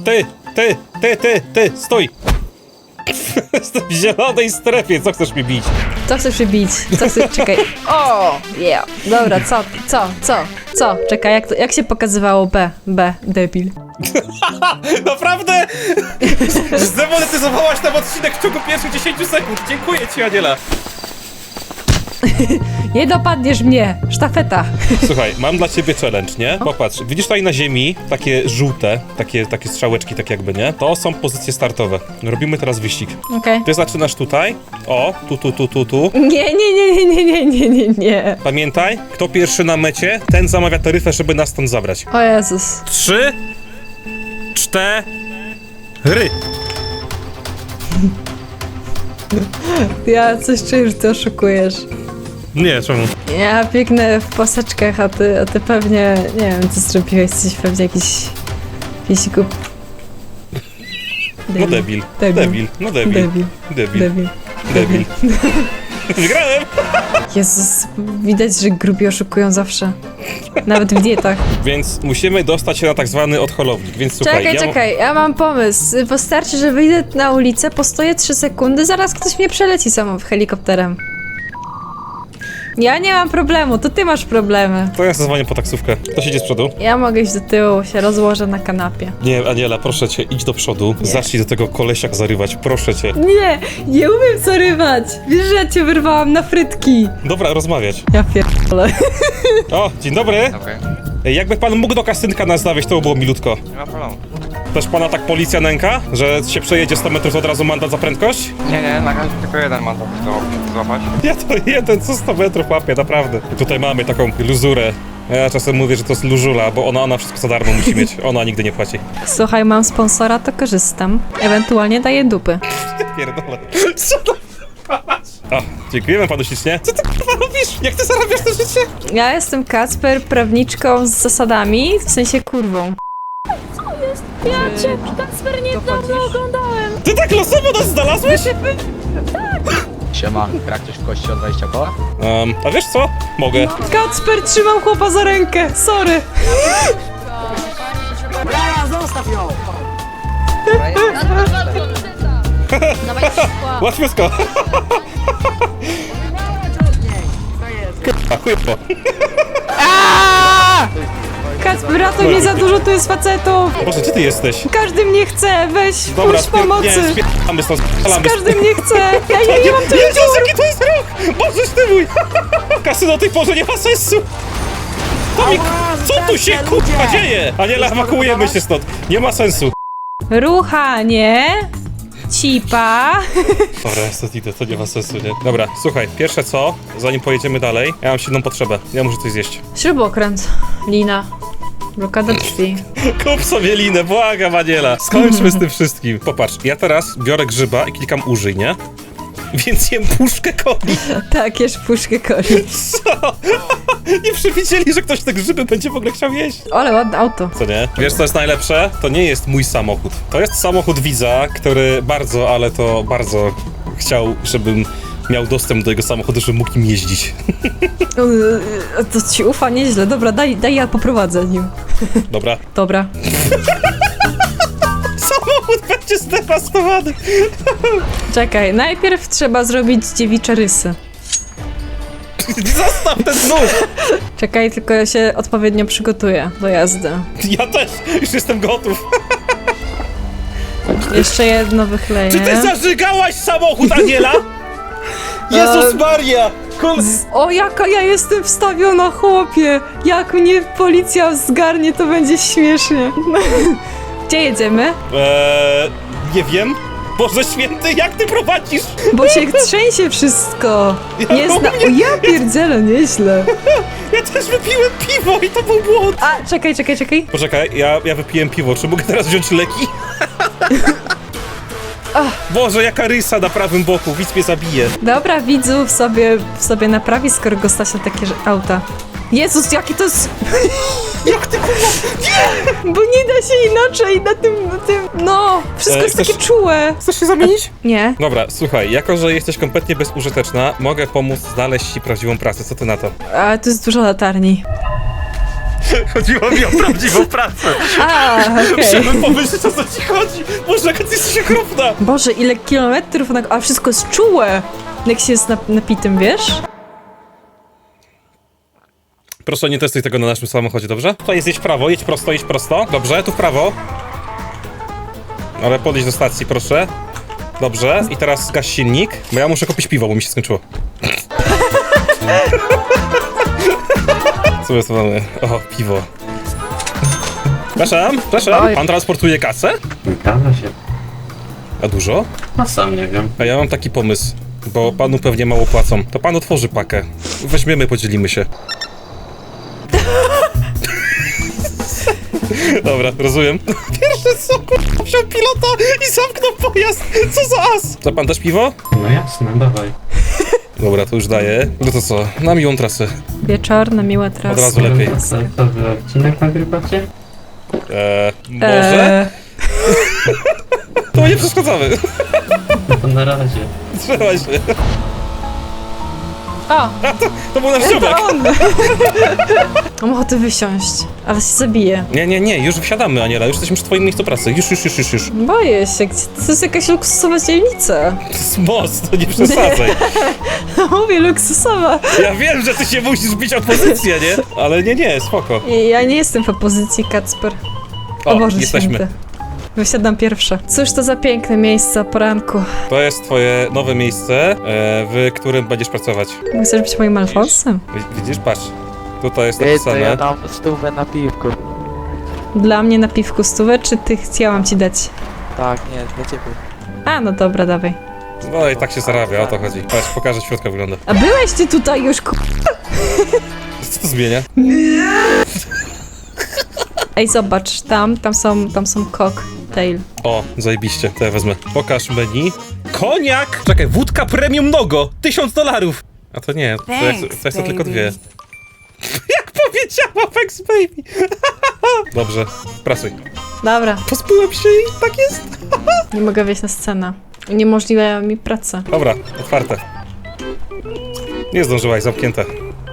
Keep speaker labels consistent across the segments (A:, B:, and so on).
A: Ty, stój! Jestem w zielonej strefie, co chcesz mi bić?
B: Co chcesz się bić? Co chcesz... Czekaj. O, yeah. Dobra, co? Czekaj, jak się pokazywało B, debil.
A: Naprawdę? Zdemonetyzowałaś nam odcinek w ciągu pierwszych 10 sekund. Dziękuję ci, Aniela.
B: Nie dopadniesz mnie, sztafeta.
A: Słuchaj, mam dla ciebie challenge, nie? Popatrz, widzisz tutaj na ziemi takie żółte, takie strzałeczki, tak jakby, nie? To są pozycje startowe. Robimy teraz wyścig.
B: Okej.
A: Ty zaczynasz tutaj. O, tu.
B: Nie.
A: Pamiętaj, kto pierwszy na mecie, ten zamawia taryfę, żeby nas stąd zabrać.
B: O Jezus.
A: 3, 4.
B: Ja coś czuję, że ty oszukujesz.
A: Nie, czemu?
B: Ja biegnę w paseczkach, a ty pewnie, nie wiem, co zrobiłeś, jesteś pewnie jakiś głup...
A: No debil. No debil. Wygrałem!
B: Jezus, widać, że grubi oszukują zawsze. Nawet w dietach.
A: Więc musimy dostać się na tak zwany odholownik, więc słuchaj...
B: Czekaj, ja mam pomysł. Wystarczy, że wyjdę na ulicę, postoję 3 sekundy, zaraz ktoś mnie przeleci helikopterem. Ja nie mam problemu, to ty masz problemy.
A: To ja zadzwonię po taksówkę. Kto siedzi z przodu?
B: Ja mogę iść do tyłu, się rozłożę na kanapie.
A: Nie, Aniela, proszę cię, idź do przodu.
B: Nie.
A: Zacznij do tego kolesia zarywać, proszę cię.
B: Nie umiem zarywać. Wiesz, że ja cię wyrwałam na frytki.
A: Dobra, rozmawiać.
B: Ja pierdolę.
A: O, dzień dobry.
C: Okej,
A: Ej, jakby pan mógł do kasynka nas zawieźć, to by było milutko.
C: nie ma problemu.
A: Też pana tak policja nęka, że się przejedzie 100 metrów, to od razu mandat za prędkość?
C: Nie, na razie tylko jeden mandat do złapać.
A: Ja to jeden, co 100 metrów łapię, naprawdę. Tutaj mamy taką luzurę. Ja czasem mówię, że to jest lużula, bo ona wszystko za darmo musi mieć. Ona nigdy nie płaci.
B: Słuchaj, mam sponsora, to korzystam. Ewentualnie daję dupy.
A: Pierdolę. Co to? O, dziękujemy panu ślicznie. Co ty kurwa robisz? Jak ty zarabiasz to życie?
B: Ja jestem Kacper, prawniczką z zasadami, w sensie kurwą.
D: Ja cię, Kacper, niedawno oglądałem.
A: Ty tak losowo nas znalazłeś?
E: Siema, gra ktoś w kości o 20 koła?
A: A wiesz co? Mogę.
B: Kacper, trzymał chłopa za rękę, sorry.
A: Łatwiutko. A chujowo.
B: Kacper, ratuj mnie, za dużo tu jest facetów.
A: Boże, gdzie ty jesteś?
B: Każdy mnie chce, weź, puść pomocy.
A: Nie, spierdalamy stąd, spierdalamy.
B: Każdy mnie chce. Ja nie mam tyle
A: Jezus, jaki to jest rok! Bożeż ty mój! Kasy do tej porze nie ma sensu! Co tu się kurwa dzieje? Aniela, ewakuujemy się stąd. Nie ma sensu.
B: Ruchanie. Cipa.
A: Dobra, ja stąd idę, to nie ma sensu, nie? Dobra, słuchaj, pierwsze co, zanim pojedziemy dalej, ja mam silną potrzebę. Ja muszę coś zjeść.
B: Śrubokręt. Lina. Blokada drzwi.
A: Kup sobie linę, błagam, Aniela. Skończmy z tym wszystkim. Popatrz, ja teraz biorę grzyba i klikam użyj, nie? Więc jem puszkę coli.
B: Tak, jesz puszkę coli.
A: Co? Nie przewidzieli, że ktoś te grzyby będzie w ogóle chciał jeść.
B: Ale ładne auto.
A: Co nie? Wiesz co jest najlepsze? To nie jest mój samochód. To jest samochód widza, który bardzo, ale to bardzo chciał, żebym miał dostęp do jego samochodu, żebym mógł nim jeździć.
B: To ci ufa nieźle. Dobra, daj ja poprowadzę nim.
A: Dobra.
B: Dobra.
A: Samochód będzie zdewastowany.
B: Czekaj, najpierw trzeba zrobić dziewicze rysy.
A: Zostaw ten nóż.
B: Czekaj, tylko ja się odpowiednio przygotuję do jazdy.
A: Ja też już jestem gotów.
B: Jeszcze jedno wychleję.
A: Czy ty zażygałaś samochód, Aniela? Jezus Maria!
B: O, jaka ja jestem wstawiona, chłopie! Jak mnie policja zgarnie, to będzie śmiesznie. Gdzie jedziemy?
A: Nie wiem. Boże święty, jak ty prowadzisz?
B: Bo się trzęsie wszystko.
A: Ja
B: Nie zna... O, ja pierdzielę, nieźle.
A: Ja też wypiłem piwo i to był błąd.
B: A, czekaj.
A: Poczekaj, ja wypiłem piwo, czy mogę teraz wziąć leki? Boże, jaka rysa na prawym boku, widz mnie zabije.
B: Dobra, widzów sobie naprawi, skoro go stać na takie auta. Jezus, jaki to jest...
A: Jak ty kurwa?
B: Bo nie da się inaczej na tym... No, wszystko jest
A: chcesz-
B: takie czułe.
A: Chcesz się zamienić?
B: Nie.
A: Dobra, słuchaj, jako że jesteś kompletnie bezużyteczna, mogę pomóc znaleźć ci prawdziwą pracę, co ty na to?
B: A, tu jest dużo latarni.
A: Chodziło mi o prawdziwą pracę.
B: A, okej.
A: Chciałbym pomyśleć, o co ci chodzi. Boże, jaka ty jesteś okropna.
B: Boże, ile kilometrów, a wszystko jest czułe. Jak się jest napitym, wiesz?
A: Proszę, nie testuj tego na naszym samochodzie, dobrze? Tutaj jest, jedź w prawo, jedź prosto. Dobrze, tu w prawo. Ale podejdź do stacji, proszę. Dobrze, i teraz zgaś silnik, bo ja muszę kupić piwo, bo mi się skończyło. Co my tu mamy? O, piwo. Przepraszam. Pan transportuje kasę?
F: Zgadza się.
A: A dużo?
F: No sam nie wiem.
A: A ja mam taki pomysł, bo panu pewnie mało płacą. To pan otworzy pakę. Weźmiemy, podzielimy się. Dobra, rozumiem. Pierwsze co, wziął pilota i zamknął pojazd. Co za as? Chce pan też piwo?
F: No jasne, dawaj.
A: Dobra, to już daję. No to co, na miłą trasę.
B: Wieczorna, miła trasa.
A: Od razu lepiej.
F: Co wy odcinek nagrywacie?
A: Może? To nie przeszkadzamy.
F: No to na razie.
A: Trzymaj się.
B: O,
A: To był nasz ziomek.
B: to on! Mam ochotę wysiąść, ale się zabiję.
A: Nie, już wsiadamy, Aniela. Już jesteśmy przy twoim miejscu pracy. Już.
B: Boję się, to jest jakaś luksusowa dzielnica.
A: To jest most, to nie przesadzaj.
B: Mówię, luksusowa.
A: Ja wiem, że ty się musisz bić o pozycję, nie? Ale nie, spoko.
B: Ja nie jestem w opozycji, Kacper. O Boże
A: jesteśmy.
B: święty. Wysiadam pierwsza. Cóż to za piękne miejsce o poranku.
A: To jest twoje nowe miejsce, w którym będziesz pracować.
B: Chcesz być moim Alfonsem?
A: Widzisz, patrz. Tutaj jest
E: Ty, to
A: napisane.
E: ja dam stówę na piwku.
B: Dla mnie na piwku stówę, czy ty chciałam ci dać?
E: Tak, nie, dla ciebie.
B: A, no dobra, dawaj.
A: No i tak się zarabia, o to chodzi. Patrz, pokażę, jak środka wygląda.
B: A byłeś ty tutaj już,
A: Co to zmienia?
B: Ej, zobacz, tam są cocktail.
A: O, zajebiście, to ja wezmę. Pokaż menu. Koniak! Czekaj, wódka premium nogo! $1000! A to nie, to jest to tylko dwie. Jak powiedziała Vex Baby! Dobrze, pracuj.
B: Dobra,
A: Pozbyłem się i tak jest.
B: nie mogę wejść na scenę. Uniemożliwia mi pracę.
A: Dobra, otwarte. Nie zdążyłaś, zamknięte.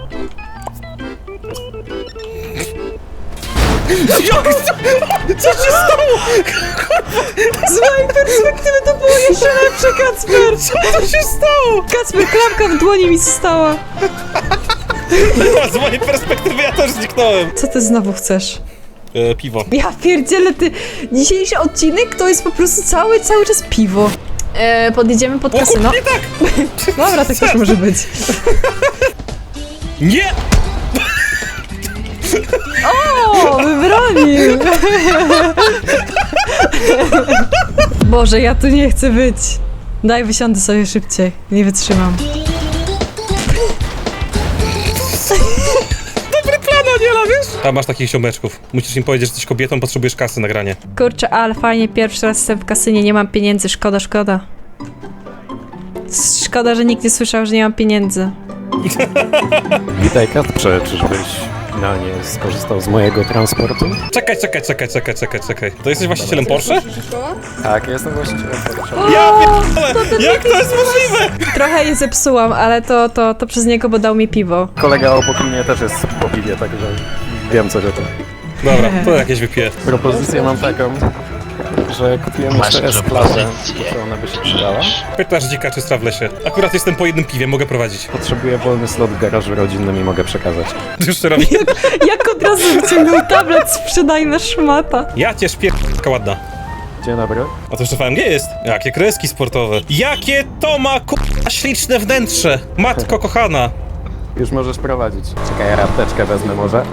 A: Co się stało?
B: Z mojej perspektywy to było jeszcze lepsze, Kacper!
A: Co to się stało?
B: Kacper, klamka w dłoni mi została.
A: Z mojej perspektywy ja też zniknąłem.
B: Co ty znowu chcesz?
A: Piwo.
B: Ja pierdzielę, ty... Dzisiejszy odcinek to jest po prostu cały czas piwo. Podjedziemy pod kasyno.
A: Nie tak!
B: Dobra, tak też może być.
A: Nie!
B: O, wybronił! Boże, ja tu nie chcę być. Daj, wysiądę sobie szybciej. Nie wytrzymam.
A: Dobry plan, Aniela, wiesz? A masz takich ziomeczków. Musisz im powiedzieć, że jesteś kobietą, potrzebujesz kasy na granie.
B: Kurczę, ale fajnie, pierwszy raz jestem w kasynie, nie mam pieniędzy, szkoda. Szkoda, że nikt nie słyszał, że nie mam pieniędzy.
G: Witaj Kacprze, czyżbyś finalnie skorzystał z mojego transportu?
A: Czekaj. To jesteś właścicielem Porsche?
G: Tak, jestem właścicielem Porsche.
A: Ja pierdolę! Jak to jest możliwe?
B: Trochę je zepsułam, ale to przez niego, bo dał mi piwo.
G: Kolega obok mnie też jest po piwie, także wiem coś o tym.
A: Dobra, to jakieś wypiję.
G: Propozycję mam taką, że kupiłem jeszcze S-klasę, czy ona by się przydała.
A: Pytasz dzika, czy stra w lesie. Akurat jestem po jednym piwie, mogę prowadzić.
G: Potrzebuję wolny slot w garażu rodzinnym i mogę przekazać.
A: Już to robi.
B: Jak od razu wyciągnął tablet, sprzedajna szmata.
A: Ja cię szpierdolka ładna.
G: Dzień dobry.
A: A to jeszcze VMG jest? Jakie kreski sportowe. Jakie to ma śliczne wnętrze. Matko kochana.
G: Już możesz prowadzić. Czekaj, ja apteczkę wezmę może.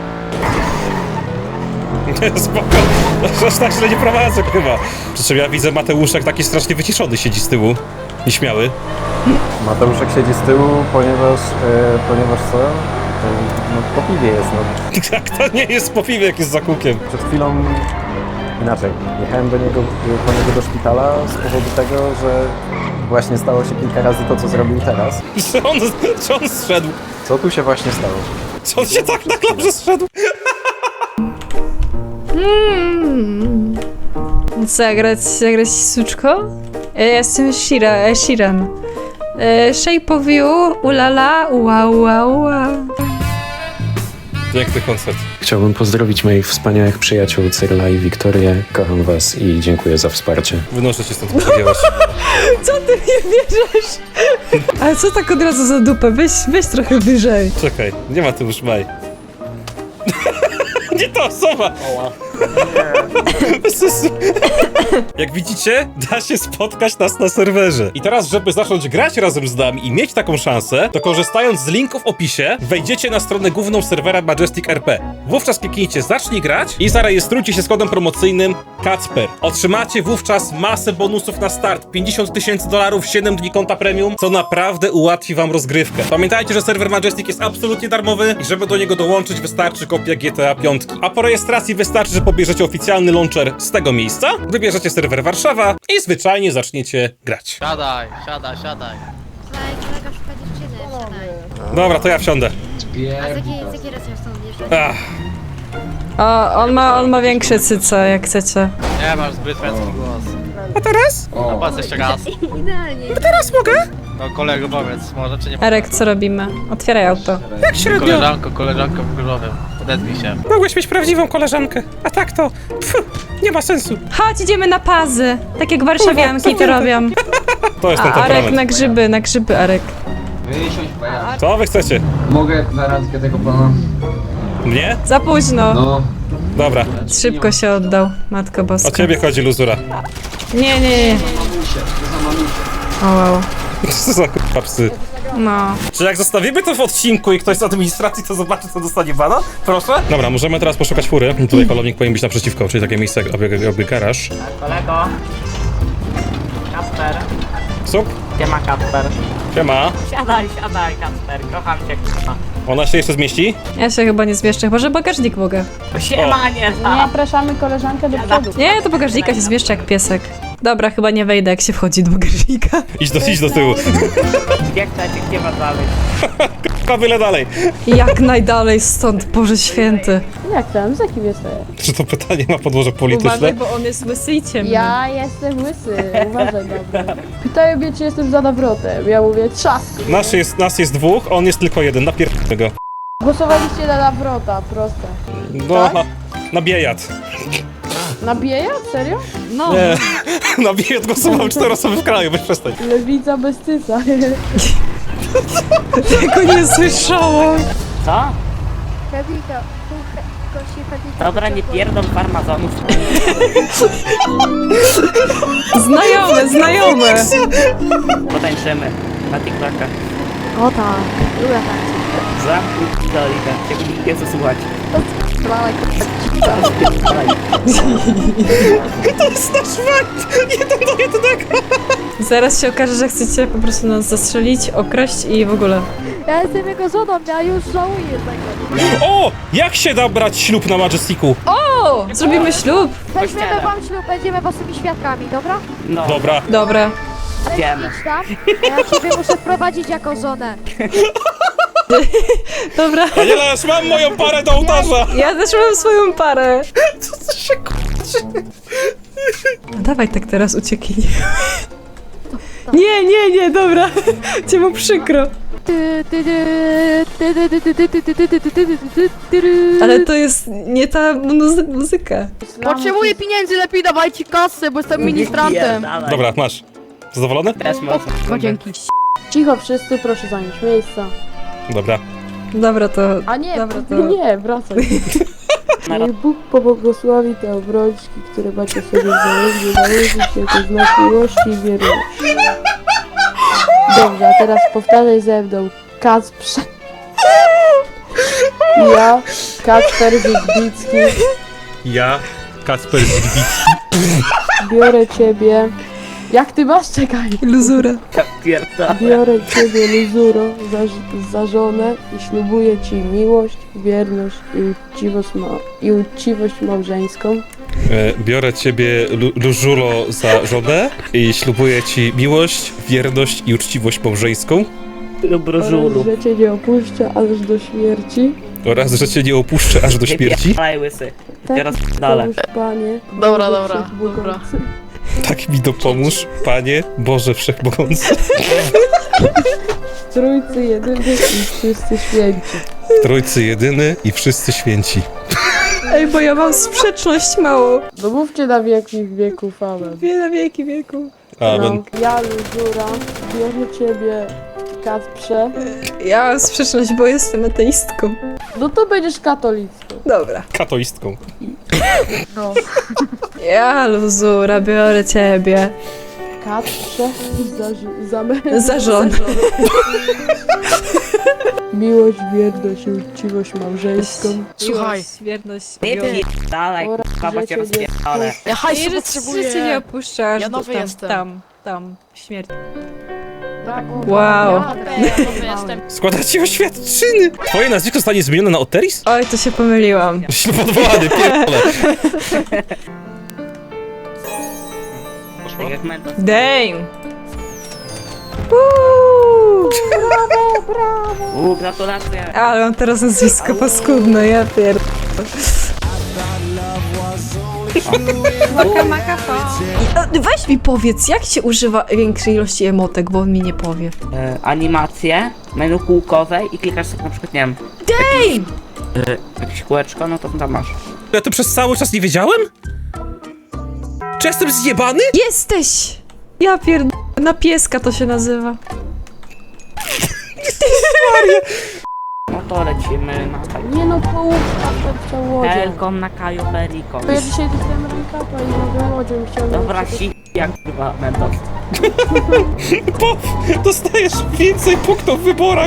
A: Spoko. Aż tak źle nie prowadzę chyba. Przy czym ja widzę Mateuszek taki strasznie wyciszony siedzi z tyłu. Nieśmiały.
G: Mateuszek siedzi z tyłu, ponieważ co? No po piwie jest, no.
A: Jak to nie jest po piwie, jak jest za kółkiem.
G: Przed chwilą inaczej. Jechałem po niego do szpitala z powodu tego, że właśnie stało się kilka razy to, co zrobił teraz.
A: Czy on zszedł?
G: Co tu się właśnie stało?
A: Czy on się tak na klamrze zszedł?
B: Zagrać suczko? Ja jestem Shiran. Shape of you, ulala, ua.
A: Piękny koncert.
G: Chciałbym pozdrowić moich wspaniałych przyjaciół Cyrla i Wiktorię. Kocham was i dziękuję za wsparcie.
A: Wynoszę cię stąd, powiedziałeś.
B: Co ty nie bierzesz? Ale co tak od razu za dupę? Weź trochę wyżej.
A: Czekaj, nie ma tu już Maj. Nie ta osoba! Bez sensu. Jak widzicie, da się spotkać nas na serwerze. I teraz, żeby zacząć grać razem z nami i mieć taką szansę, to korzystając z linku w opisie, wejdziecie na stronę główną serwera Majestic RP. Wówczas kliknijcie zacznij grać i zarejestrujcie się z kodem promocyjnym Kacper. Otrzymacie wówczas masę bonusów na start. $50,000, 7 dni konta premium, co naprawdę ułatwi wam rozgrywkę. Pamiętajcie, że serwer Majestic jest absolutnie darmowy i żeby do niego dołączyć, wystarczy kopia GTA 5. A po rejestracji wystarczy, że pobierzecie oficjalny launcher z tego miejsca, wybierzecie serwer Warszawa i zwyczajnie zaczniecie grać.
E: Siadaj.
H: Słuchaj, kolega szuka dziewczyny, wsiadaj.
A: Dobra, to ja wsiądę.
H: A z jakiej racji masz stąd wjeżdżać?
A: Ach,
B: O, on ma większe cyce, jak chcecie.
E: Nie masz zbyt męski głos.
A: a teraz?
E: No patrz jeszcze raz.
H: Idealnie.
A: Teraz mogę?
E: No kolego powiedz, może czy nie
B: Erek, co robimy? Otwieraj auto.
A: Jak średnio?
E: Koleżanko w górowym. Odezwij się.
A: Mogłeś mieć prawdziwą koleżankę, a tak to... Pfu, nie ma sensu.
B: Chodź, idziemy na pazy. Tak jak warszawianki to robią.
A: To jest ten
B: A Arek
A: temperament.
B: na grzyby, Arek.
A: Co wy chcecie?
I: Mogę na randkę tego pana?
A: Mnie?
B: Za późno.
I: No.
A: Dobra,
B: Szybko się oddał, Matko
A: o
B: Boska.
A: ciebie chodzi luzura.
B: Nie.
I: Mamusie, to za mamusie.
B: O, wow.
A: Co za k***a psy.
B: No.
A: Czy jak zostawimy to w odcinku i ktoś z administracji to zobaczy, co dostanie bana? Proszę? Dobra, możemy teraz poszukać fury. Tutaj polownik powinien być naprzeciwko, czyli takie miejsce jakby garaż.
J: Kolego. Kasper.
A: Sup?
J: Gdzie ma Kasper?
A: Siema.
J: Siadaj, Kasper. Kocham cię, k***a.
A: Ona się jeszcze zmieści?
B: Ja się chyba nie zmieszczę, chyba że bagażnik mogę.
J: Siema, nie znam.
D: Zapraszamy koleżankę do przodu.
B: Nie, do bagażnika się zmieszczę jak piesek. Dobra, chyba nie wejdę, jak się wchodzi do bagażnika.
A: Idź do tyłu.
J: Gdzie chcecie, gdzie ma dalej?
A: Byle dalej.
B: Jak najdalej stąd, Boże Święty.
D: Jak tam? Z jakim jesteś?
A: Czy to pytanie ma podłoże polityczne?
B: bo on jest łysy i ciemny.
D: Ja jestem łysy, uważaj dobra. Pytają mnie, czy jestem za nawrotem. Ja mówię, trzask.
A: Nas jest dwóch, on jest tylko jeden, napierdolę go.
D: Głosowaliście na nawrota, proste.
A: No, na biejat.
D: Na bieja? Serio?
B: No.
A: Nie, na biejat głosowały 4 osoby w kraju, weź przestań.
D: Lewica bez cyca.
B: Tego nie słyszałam.
J: Co?
H: Pewnika, gości pewnika.
J: Dobra, nie pierdol farmazonów.
B: Znajome.
J: Potańczymy. Na TikToka.
H: O tak, lubię tak.
J: Zamknij dolika. Ciebie nikt nie chce słuchać.
H: Małe
A: To jest nasz fakt! 1-1.
B: Zaraz się okaże, że chcecie po prostu nas zastrzelić, okraść i w ogóle.
H: Ja jestem jego żoną, ja już żałuję tego.
A: O! Jak się da brać ślub na Majesticu?
B: O! Zrobimy ślub.
H: Weźmiemy wam ślub, będziemy waszymi świadkami, dobra?
J: No,
A: Dobra.
B: Dobra.
J: wiemy.
H: Idź tam, a ja ciebie muszę wprowadzić jako żonę.
B: Dobra.
A: Aniela, już mam moją parę do ołtarza!
B: Ja też mam swoją parę. Co się kurczy? Dawaj tak teraz ucieknij. Nie, dobra. Cię mu przykro. Ale to jest nie ta muzyka.
D: Potrzebuję pieniędzy, lepiej dawajcie kasę, bo jestem ministrantem.
J: Pierdalaj.
A: Dobra, masz. Zadowolony?
J: Też można.
D: Dzięki. Cicho wszyscy, proszę zająć miejsca.
A: Dobra.
B: Dobra, to...
D: A nie,
B: Dobra, to...
D: nie, wracaj. Niech Bóg pobłogosławi te obrączki, które macie sobie założyć, założyć jako znak miłości i wierności. Dobrze, a teraz powtarzaj ze mną. Kacprze. Ja, Kacper Zygbicki,
A: Ja, Kacper Zbicki.
D: biorę ciebie... Jak ty masz? Czekaj.
B: Luzura.
J: Pierdalaj.
D: Biorę ciebie, Luzuro, za żonę i ślubuję ci miłość, wierność i uczciwość małżeńską.
A: Biorę ciebie, Lużulo, za żonę i ślubuję ci miłość, wierność i uczciwość małżeńską
J: Lubrożulu.
D: Oraz, że cię nie opuszczę aż do śmierci.
A: oraz, że cię nie opuszczę aż do śmierci.
J: Pierdalaj, łysy.
D: Tak
J: Teraz
D: mi
J: dalej.
D: pomóż, Panie.
I: Dobra,
D: Boże
I: dobra,
D: Wszechmogący.
A: Tak mi dopomóż, Panie Boże Wszechmogący.
D: Trójcy jedyny i wszyscy święci.
A: W trójcy jedyny i wszyscy święci.
B: Ej, bo ja mam sprzeczność mało.
D: No mówcie na wieki wieków, amen.
B: Wie na wieki wieku.
A: Amen.
D: No, ja, Luzura, biorę ciebie, Kacprze.
B: Ja mam sprzeczność, bo jestem ateistką.
D: No to będziesz katolicką.
B: Dobra.
A: Katoistką.
D: No.
B: Ja, Luzura, biorę ciebie.
D: Kacprze
B: Za żonę.
D: Miłość, wierność i uczciwość małżeńską.
H: Słuchaj.
B: Wierność.
J: Nie dalej,
D: Oraz,
J: kurwa, bo
D: że
J: cię
D: cię
J: rozpierdolę.
H: Ja hajsu
B: Że
H: potrzebuję.
B: cię nie opuszczasz.
H: Ja nowy
B: tam,
H: jestem.
B: Tam, śmierć.
D: Brawo,
B: Wow.
H: Ja nowy jestem.
A: Składacie oświadczyny! Twoje nazwisko zostanie zmienione na Oteris?
B: Oj, to się pomyliłam.
A: Jesteśmy podwołany, pierdolę.
J: Tak jak Mentos.
B: Dame!
J: Gratulacje.
B: Ale mam teraz nazwisko paskudne, ja pierd... Weź mi powiedz, jak się używa większej ilości emotek, bo on mi nie powie.
J: Animacje, menu kółkowe i klikasz sobie na przykład, nie wiem,
B: Dame!
J: jakieś kółeczko, no to tam masz.
A: Ja to przez cały czas nie wiedziałem? Czy jestem zjebany?
B: Jesteś! Ja pierd... Na pieska to się nazywa.
J: No to lecimy na Kaju.
D: Nie no, połówka przed łodzią.
J: Helkom na Kaju Perico.
D: To ja dzisiaj dostałem rękapa i mogę łodzią chciałem...
J: Dobra, jak chyba Mentos.
A: Bo dostajesz więcej punktów w wyborach.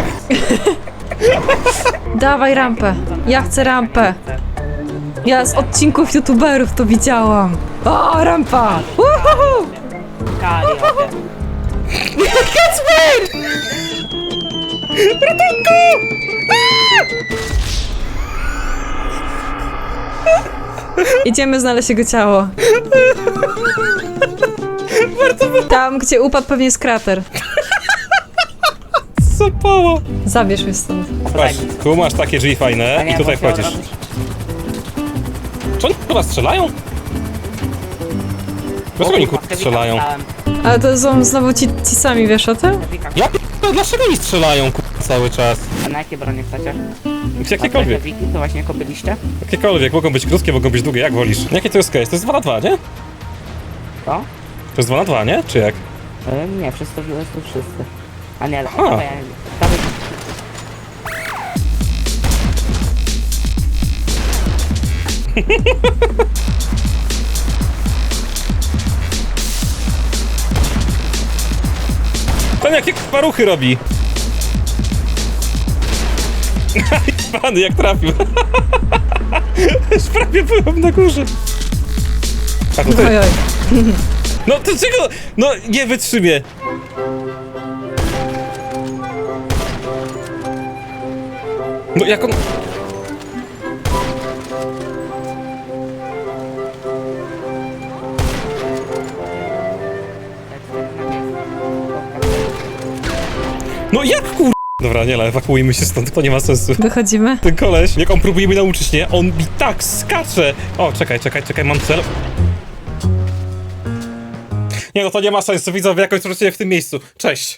B: Dawaj rampę. Ja chcę rampę. Ja z odcinków youtuberów to widziałam. O, rampa! Uhuhu!
J: Kali, okej.
B: Kacper! Idziemy znaleźć jego ciało. Tam, gdzie upadł, pewnie jest krater.
A: Zapało.
B: Zabierz mnie stąd.
A: Patrz, tu masz takie drzwi fajne i tutaj wchodzisz. Czy oni chyba strzelają? Dlaczego oni kurwa strzelają?
B: Ale to są znowu ci sami, wiesz o tym?
A: Ja p***a, dlaczego oni strzelają kurwa cały czas?
J: A na jakie bronie chcecie?
A: Jakiekolwiek.
J: Wiki, to właśnie kopyliście?
A: Jakiekolwiek, mogą być krótkie, mogą być długie, jak wolisz. Jakie to jest case? To jest 2 na 2, nie?
J: To?
A: To jest 2 na 2, nie? Czy jak?
J: Nie, wszyscy. A nie,
A: A.
J: dawaj.
A: Ten jakie kurwa ruchy robi? Pany, jak trafił. Już prawie byłem na górze. A to ty.
B: Oj, oj.
A: No to czego? No nie wytrzymie. No jak on... No jak kur... Dobra, nie, ale ewakuujmy się stąd, to nie ma sensu.
B: Wychodzimy.
A: Ten koleś, jak on próbuje mnie nauczyć, nie? On mi tak skacze! O, czekaj, mam cel. Nie no, to nie ma sensu, widzowie, jakoś wrócicie w tym miejscu. Cześć!